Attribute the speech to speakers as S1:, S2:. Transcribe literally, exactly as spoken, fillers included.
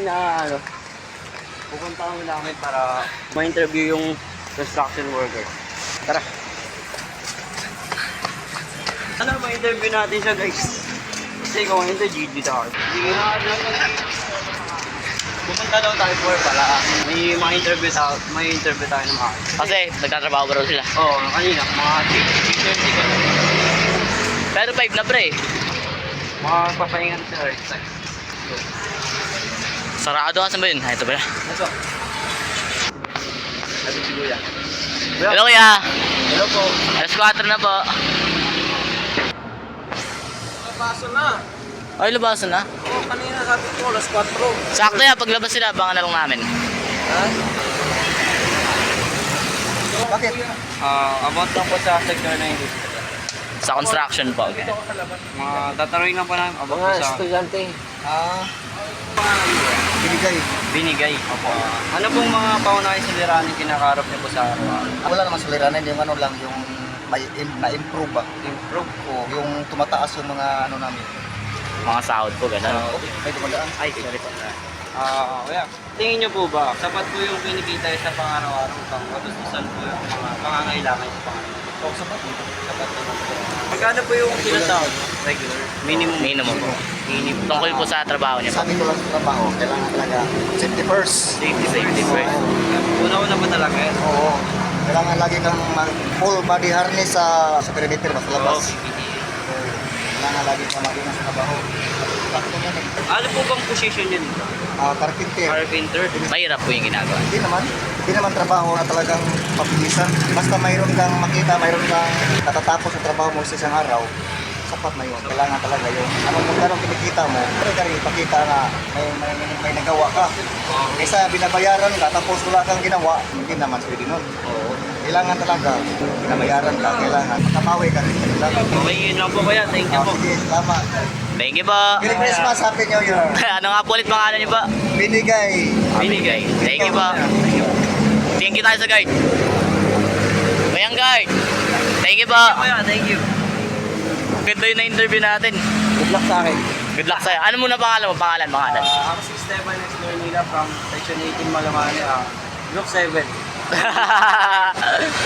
S1: na ano, pupunta kami namin para ma-interview yung construction worker. Tara. Ano, ma-interview natin siya guys. Kasi kung hindi, G D tayo. Sige na, pupunta daw tayo for pala. May mga interview tayo, may interview tayo ng mga.
S2: Kasi nagtatrabaho ba raw sila?
S1: Oo, oh, kanina, mga three thirty ka.
S2: Pero five na pre.
S1: Mga papahingan sila.
S2: Sarado ka, saan ba yun? Ah, ito ba?
S1: Ito. Sabi si Kuya.
S2: Hello kuya.
S1: Hello po.
S2: alas kwatro na po.
S1: Paso na.
S2: Ay, labasan na.
S1: Oo, kanina sabi ko, alas kwatro.
S2: Sakto yan, paglabas sila, abangan na lang namin.
S1: Ha? Bakit? Ah, about lang po sa sector na industry.
S2: Sa construction po. Okay.
S1: Mga tatanungin lang po namin about po sa...
S3: estudyante.
S1: Ah,
S3: Binigay.
S1: binigay. Opo. Ano pong mga pangunahing suliranin kinakarap niyo po sa araw-araw?
S3: Wala naman suliranin, yung ano lang, yung may im- na-improve ba?
S1: Improve po.
S3: Yung tumataas yung mga ano namin.
S2: Mga sahod po, gano'n.
S3: Okay, may dumadaan.
S2: Ay, sorry po.
S1: Ah, kaya, tingin niyo po ba, sapat po yung kinikita sa pang-araw-araw pang katustusan po yung mga pangangailangan sa pang-araw?
S3: Oh, sapat mo.
S1: Sapat naman po. Magkano po yung sinasahod? Regular? Minimum?
S2: Minimum po.
S1: Minimum.
S2: Tungkol po sa trabaho niya po.
S3: Sabi ko lang sa trabaho, kailangan talaga safety first.
S1: Safety,
S2: Safety first.
S1: Una-una pa talaga yan.
S3: Oo. Kailangan lagi kang mag full body harness sa sa perimeter ba sa labas.
S1: Oo, P P E.
S3: Kailangan lagi kang mag-ingat sa trabaho. Sakto yan eh.
S1: Ano po bang position yun?
S3: Ah, carpenter.
S1: Carpenter?
S2: Mahirap po yung ginagawa.
S3: Hindi naman. Hindi naman trabaho na talagang mabilisan. Basta mayroon kang makita, mayroon kang natatapos sa trabaho mo sa isang araw, sapat na yun. Kailangan talaga yun. Anong kung anong kinikita mo, pero ka rin ipakita na may, may, may, may nagawa ka. Kaysa binabayaran ka, tapos wala kang ginawa, hindi naman pwede nun.
S1: Oo.
S3: Kailangan talaga, binabayaran ka, kailangan. Makabawi ka rin. Kailangan.
S1: Okay, yun lang po kaya. Thank you
S3: Ah,
S1: po.
S3: sige, salamat.
S2: Thank you po.
S3: Merry Christmas, Happy New Year.
S2: Ano nga po ulit pangalan niyo po?
S3: Binigay.
S2: Binigay. Thank you po. Thank you tayo sa guard. Bayang guard. Thank you po.
S1: Kuya, thank you.
S2: Ganda yun na interview natin.
S1: Good luck sa akin.
S2: Good luck sa'yo. Ano muna pangalan mo? Pangalan, pangalan.
S1: Uh, ako si Esteban X. Manila from Section eighteen Malamani, uh, Group seven.